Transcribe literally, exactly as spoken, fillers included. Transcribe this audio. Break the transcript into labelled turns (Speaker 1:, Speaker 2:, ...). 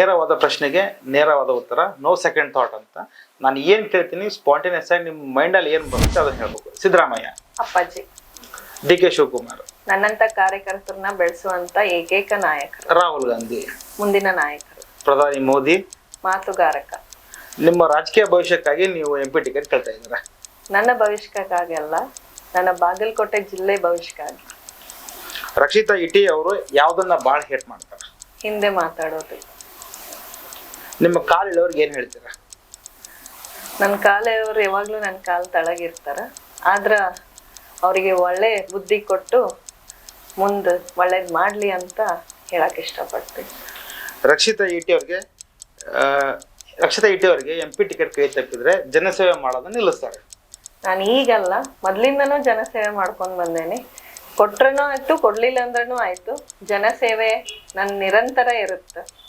Speaker 1: ನೇರವಾದ ಪ್ರಶ್ನೆಗೆ ನೇರವಾದ ಉತ್ತರ, ನೋ ಸೆಕೆಂಡ್ ಥಾಟ್ ಅಂತ. ನಾನು ಏನ್ ಕೇಳ್ತೀನಿ ಸ್ಪಾಂಟೇನಿಯಸ್ ಆಗಿ ನಿಮ್ಮ ಮೈಂಡಲ್ಲಿ ಏನ್ ಬರುತ್ತೆ ಅದನ್ನ ಹೇಳ್ಬೇಕು. ಸಿದ್ದರಾಮಯ್ಯ,
Speaker 2: ಅಪ್ಪಾಜಿ.
Speaker 1: ಡಿ ಕೆ ಶಿವಕುಮಾರ್,
Speaker 2: ನನ್ನಂತ ಕಾರ್ಯಕರ್ತರನ್ನ ಬೆಳೆಸುವಂತ ಏಕೈಕ ನಾಯಕರು.
Speaker 1: ರಾಹುಲ್ ಗಾಂಧಿ,
Speaker 2: ಮುಂದಿನ ನಾಯಕರು.
Speaker 1: ಪ್ರಧಾನಿ ಮೋದಿ,
Speaker 2: ಮಾತುಗಾರಕ.
Speaker 1: ನಿಮ್ಮ ರಾಜಕೀಯ ಭವಿಷ್ಯಕ್ಕಾಗಿ ನೀವು ಎಂ ಪಿ ಟಿಕೆಟ್ ಕೇಳ್ತಾ ಇದ್ದೀರಾ?
Speaker 2: ನನ್ನ ಭವಿಷ್ಯಕ್ಕಾಗಿ ಅಲ್ಲ, ನನ್ನ ಬಾಗಲಕೋಟೆ ಜಿಲ್ಲೆ ಭವಿಷ್ಯಕ್ಕಾಗಿ.
Speaker 1: ರಕ್ಷಿತಾ ಇಟಿ ಅವರು ಯಾವ್ದನ್ನ ಬಾಳ ಹೇಟ್ ಮಾಡ್ತಾರೆ?
Speaker 2: ಹಿಂದೆ ಮಾತಾಡೋದು.
Speaker 1: ನಿಮ್ಮ ಕಾಲಿಳವ್ರಿಗೆ ಏನ್ ಹೇಳ್ತೀರಾ?
Speaker 2: ನನ್ನ ಕಾಲೆಯವರು ಯಾವಾಗ್ಲೂ ನನ್ನ ಕಾಲ್ ತಳಗಿರ್ತಾರ. ಆದ್ರ ಅವರಿಗೆ ಒಳ್ಳೆ ಬುದ್ಧಿ ಕೊಟ್ಟು ಮುಂದ್ ಒಳ್ಳೇದ್ ಮಾಡ್ಲಿ ಅಂತ ಹೇಳಕ್ ಇಷ್ಟಪಡ್ತೀನಿ.
Speaker 1: ರಕ್ಷಿತಾ ಇಟಿ ಅವ್ರಿಗೆ ರಕ್ಷಿತಾ ಇಟಿ ಅವ್ರಿಗೆ ಎಂ ಪಿ ಟಿಕೆಟ್ ಕೈ ತಪ್ಪಿದ್ರೆ ಜನಸೇವೆ ಮಾಡೋದನ್ನ ನಿಲ್ಲಿಸ್ತಾರೆ.
Speaker 2: ನಾನು ಈಗಲ್ಲ, ಮೊದ್ಲಿಂದನೂ ಜನಸೇವೆ ಮಾಡ್ಕೊಂಡ್ ಬಂದೇನೆ. ಕೊಟ್ರನೂ ಆಯ್ತು, ಕೊಡ್ಲಿಲ್ಲ ಅಂದ್ರೂ ಆಯ್ತು, ಜನಸೇವೆ ನನ್ ನಿರಂತರ ಇರುತ್ತೆ.